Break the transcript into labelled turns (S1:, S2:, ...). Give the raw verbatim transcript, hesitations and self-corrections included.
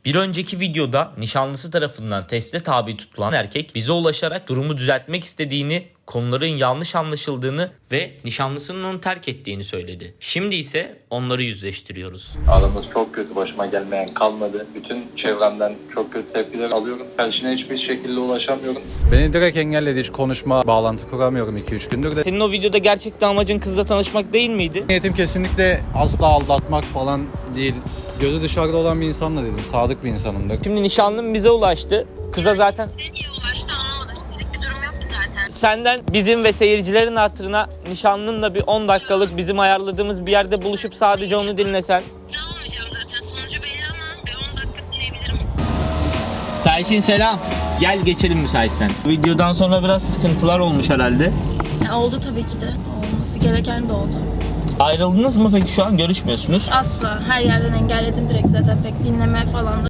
S1: Bir önceki videoda nişanlısı tarafından teste tabi tutulan erkek bize ulaşarak durumu düzeltmek istediğini, konuların yanlış anlaşıldığını ve nişanlısının onu terk ettiğini söyledi. Şimdi ise onları yüzleştiriyoruz.
S2: Aramız çok kötü, başıma gelmeyen kalmadı. Bütün çevremden çok kötü tepkiler alıyorum. Karşına hiçbir şekilde ulaşamıyorum.
S3: Beni direkt engelledi, hiç konuşma, bağlantı kuramıyorum iki üç gündür de.
S1: Senin o videoda gerçekten amacın kızla tanışmak değil miydi?
S3: Niyetim kesinlikle asla aldatmak falan değil. Gözü dışarıda olan bir insanla dedim, sadık bir insanımdır.
S1: Şimdi nişanlım bize ulaştı. Kıza zaten
S4: Ne diye ulaştı anlamadım. Sizlik bir durum yok ki zaten.
S1: senden bizim ve seyircilerin hatırına nişanlınla bir on dakikalık bizim ayarladığımız bir yerde buluşup sadece onu dinlesen.
S4: Ne olmayacağım zaten. Sonucu belli ama bir on dakika dinleyebilirim.
S1: Tayşin selam. Gel geçelim müsaitsen. Videodan sonra biraz sıkıntılar olmuş herhalde.
S5: Ya oldu tabii ki de. Olması gereken de oldu.
S1: Ayrıldınız mı peki, şu an görüşmüyorsunuz?
S5: Asla. Her yerden engelledim direkt zaten. Pek dinleme falan da